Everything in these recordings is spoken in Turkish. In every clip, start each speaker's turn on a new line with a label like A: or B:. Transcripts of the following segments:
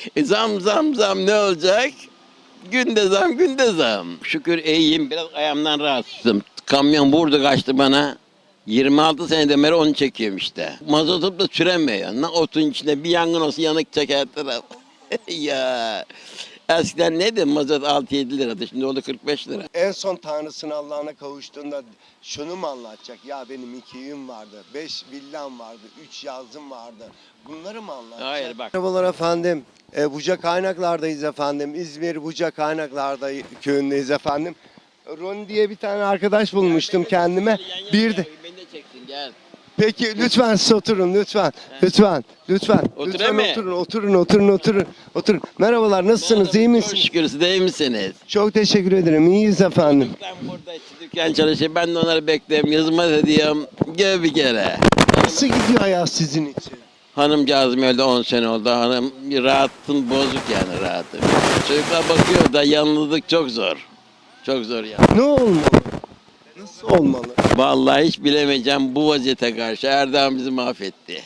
A: Zam ne olacak? Günde zam günde zam. Şükür iyiyim, biraz ayağımdan rahatsızım. Kamyon vurdu kaçtı bana. 26 seneden beri onu çekiyorum işte. Mazotum da süremiyor. Ne otun içinde bir yangın olsa yanık çeker taraf. Ya eskiden neydi mazot 6-7 liraydı, şimdi oldu 45 lira.
B: En son Tanrısının Allah'ına kavuştuğunda şunu mu anlatacak? Ya benim 2 evim vardı, 5 villam vardı, 3 yazım vardı. Bunları mı anlatacak?
A: Hayır, bak.
B: Merhabalar efendim. Buca Kaynaklar'dayız efendim. İzmir Buca Kaynaklar'da köyündeyiz efendim. Ron diye bir tane arkadaş bulmuştum kendime. Bir de
A: Beni de çeksin, gel.
B: peki lütfen siz oturun lütfen. Lütfen. Lütfen.
A: Oturayım
B: Lütfen
A: mı?
B: oturun. Merhabalar, nasılsınız? İyi
A: Çok
B: misiniz?
A: şükür, siz de iyi misiniz?
B: Çok teşekkür ederim. İyiyiz efendim.
A: Ben burada dükkan çalışıyorum, ben de onları bekliyorum, hizmet ediyorum. Gel bir kere.
B: Nasıl gidiyor hayat sizin için?
A: Hanımcağızım öldü, 10 sene oldu. Hanım rahatım bozuk, yani rahatım. Çocuklar bakıyor da yalnızlık çok zor. Çok zor ya.
B: Ne olmalı? Nasıl olmalı?
A: Vallahi hiç bilemeyeceğim bu vaziyete karşı. Erdoğan bizi mahvetti.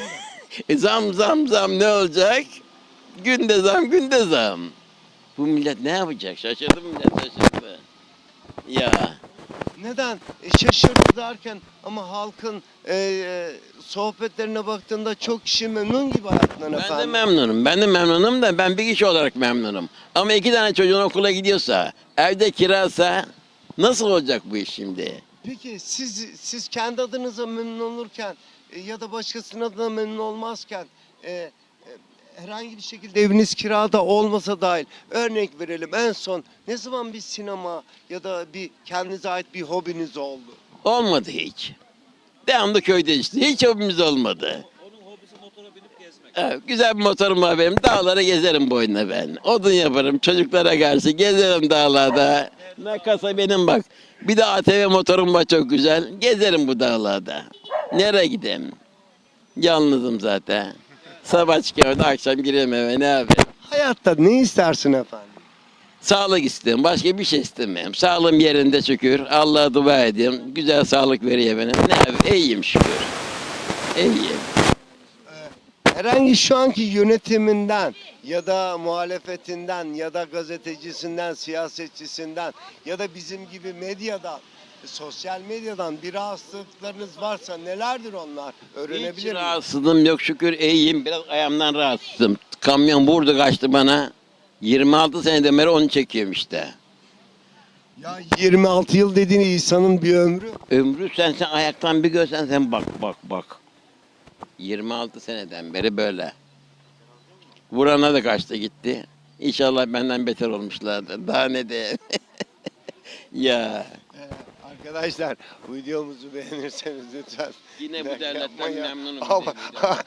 A: Zam ne olacak? Günde zam. Bu millet ne yapacak? Şaşırdı mı millet, şaşırdı. Ya.
B: Neden? Şaşırdı derken ama halkın sohbetlerine baktığında çok kişi memnun gibi hayatından efendim.
A: Ben de memnunum da ben bir kişi olarak memnunum. Ama 2 tane çocuğun okula gidiyorsa, evde kirasa nasıl olacak bu iş şimdi?
B: Peki siz kendi adınıza memnun olurken ya da başkasının adına memnun olmazken herhangi bir şekilde eviniz kirada olmasa dahil, örnek verelim, en son ne zaman bir sinema ya da bir kendinize ait bir hobiniz oldu?
A: Olmadı hiç. Devamlı köyde işte. Hiç hobimiz olmadı.
C: Onun hobisi motora binip gezmek.
A: Evet, güzel bir motorum var benim. Dağlara gezerim boyuna ben. Odun yaparım çocuklara karşı. Gezerim dağlarda. Ne kasa benim bak. Bir de ATV motorum var çok güzel. Gezerim bu dağlarda. Nereye gideyim? Yalnızım zaten. Sabah çıkıyorum, akşam gireyim eve, ne yapayım?
B: Hayatta ne istersin efendim?
A: Sağlık istiyorum. Başka bir şey istemiyorum. Sağlığım yerinde şükür. Allah'a dua ediyorum. Güzel sağlık veriyor benim. Ne yapayım? İyiyim şükür. İyiyim.
B: Herhangi şu anki yönetiminden ya da muhalefetinden ya da gazetecisinden, siyasetçisinden ya da bizim gibi medyadan, sosyal medyadan bir rahatsızlıklarınız varsa nelerdir onlar?
A: Hiç
B: Öğrenebilir miyim?
A: rahatsızlığım yok şükür, iyiyim. Biraz ayağımdan rahatsızım. Kamyon vurdu kaçtı bana. 26 seneden beri onu çekiyorum işte.
B: Ya 26 yıl dediğin insanın bir ömrü.
A: Ömrü sen ayaktan bir görsen sen bak. 26 seneden beri böyle. Vurana da kaçtı gitti. İnşallah benden beter olmuşlardır. Daha ne diyeyim. Ya.
B: Arkadaşlar videomuzu beğenirseniz lütfen.
A: Yine bu
B: like
A: devletten
B: yapmayı-
A: memnunum.
B: Ama-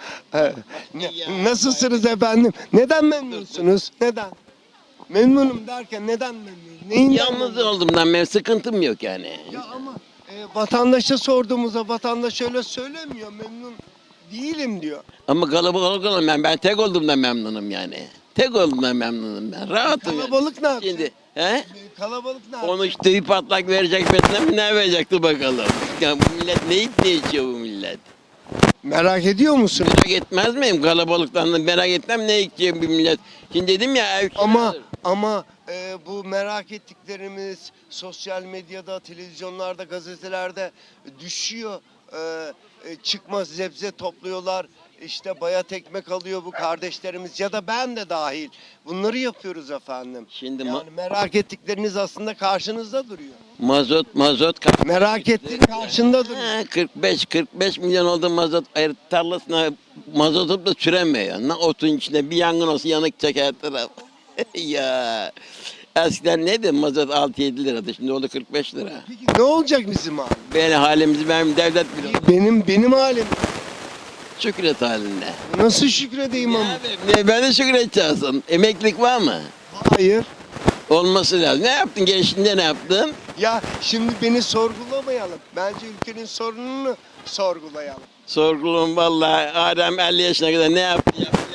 B: Nasılsınız efendim? Neden memnunsunuz? Neden? Memnunum derken neden memnunum? Neyinden
A: Yalnız
B: memnun?
A: olduğumdan benim sıkıntım yok yani.
B: Ya ama vatandaşa sorduğumuzda vatandaş öyle söylemiyor. Memnun değilim diyor.
A: Ama kalabalık olan ben tek olduğumdan memnunum yani. Tek olduğumdan memnunum ben. Rahatım yani.
B: Kalabalık ne yapacak?
A: Şimdi he?
B: Kalabalık ne yapacak?
A: Onu işte bir patlak verecek betine ne verecekti bakalım. Ya bu millet ne yiyip ne içiyor bu millet?
B: Merak ediyor musun?
A: Merak etmez miyim? Kalabalıktan da merak etmem ne içiyor bir millet. Şimdi dedim ya ev kiradır.
B: Ama bu merak ettiklerimiz sosyal medyada, televizyonlarda, gazetelerde düşüyor. Çıkmaz zebze topluyorlar. İşte bayat ekmek alıyor bu kardeşlerimiz ya da ben de dahil. Bunları yapıyoruz efendim.
A: Şimdi
B: Yani merak ettikleriniz aslında karşınızda duruyor.
A: mazot
B: Merak ettiğin karşında duruyor.
A: 45 milyon oldu mazot tarlasına mazotum da süremiyor. Ne otun içinde bir yangın olsa yanık çeker taraf. Ya eskiden neydi mazot 6-7 liraydı, şimdi oldu 45 lira.
B: Peki ne olacak bizim abi?
A: Benim devlet biliyor.
B: Benim halim.
A: Şükret halinde.
B: Nasıl şükredeyim ama?
A: Ben de şükredeceksin. Emeklilik var mı?
B: Hayır.
A: Olması lazım. Ne yaptın gençliğinde, ne yaptın?
B: Ya şimdi beni sorgulamayalım. Bence ülkenin sorununu sorgulayalım.
A: Sorgulum vallahi. Adem 50 yaşına kadar ne yaptı?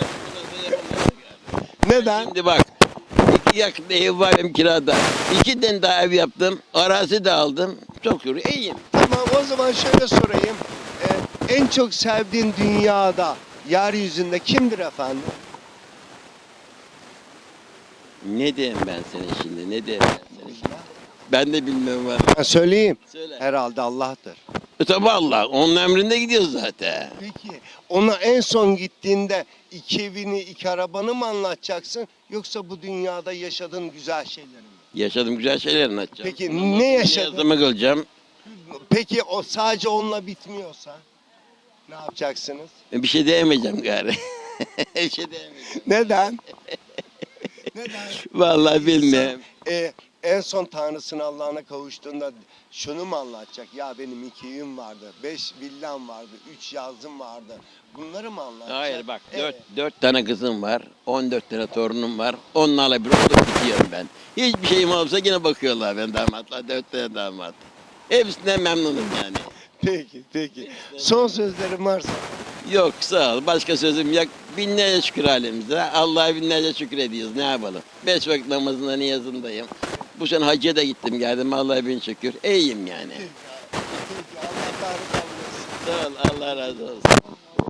B: Neden?
A: Şimdi bak. 2 yakında ev var benim kirada. 2 tane daha ev yaptım. Arazi de aldım. Çok şükür iyiyim.
B: Tamam, o zaman şöyle sorayım. En çok sevdiğin dünyada, yeryüzünde kimdir efendim?
A: Ne diyeyim ben sana şimdi? Ne diyeyim ben sana şimdi? Ben de bilmiyorum var.
B: Ben söyleyeyim.
A: Söyle.
B: Herhalde Allah'tır.
A: Tabi Allah. Onun emrinde gidiyoruz zaten.
B: Peki ona en son gittiğinde iki evini, iki arabanı mı anlatacaksın? Yoksa bu dünyada yaşadığın güzel şeyleri mi?
A: Yaşadım güzel şeyler anlatacağım.
B: Peki ne yaşadın?
A: Yazımı kılacağım.
B: Peki o sadece onunla bitmiyorsa ne yapacaksınız?
A: Bir şey diyemeyeceğim gari. Bir şey diyemeyeceğim.
B: Neden? Neden?
A: Vallahi bilmiyorum.
B: En son Tanrısına Allah'ına kavuştuğunda şunu mu anlatacak? Ya benim 2 evim vardı, 5 villam vardı, 3 yazım vardı. Bunları mı anlatacak?
A: Hayır bak
B: Evet.
A: 4 tane kızım var. 14 tane torunum var. Onlarla bir olup bitiyorum ben. Hiçbir şeyim olsa yine bakıyorlar ben damatla. 4 tane damat. Hepsinden memnunum yani.
B: Peki. Son sözlerim varsa.
A: Yok sağ ol. Başka sözüm yok. Binlerce şükür halimize. Allah'a binlerce şükür ediyoruz. Ne yapalım? 5 vakit namazında niyazındayım. Bu sene hacca da gittim geldim. Allah'a bin şükür. İyiyim yani.
B: Peki Allah razı olsun.
A: Sağ ol. Allah razı olsun.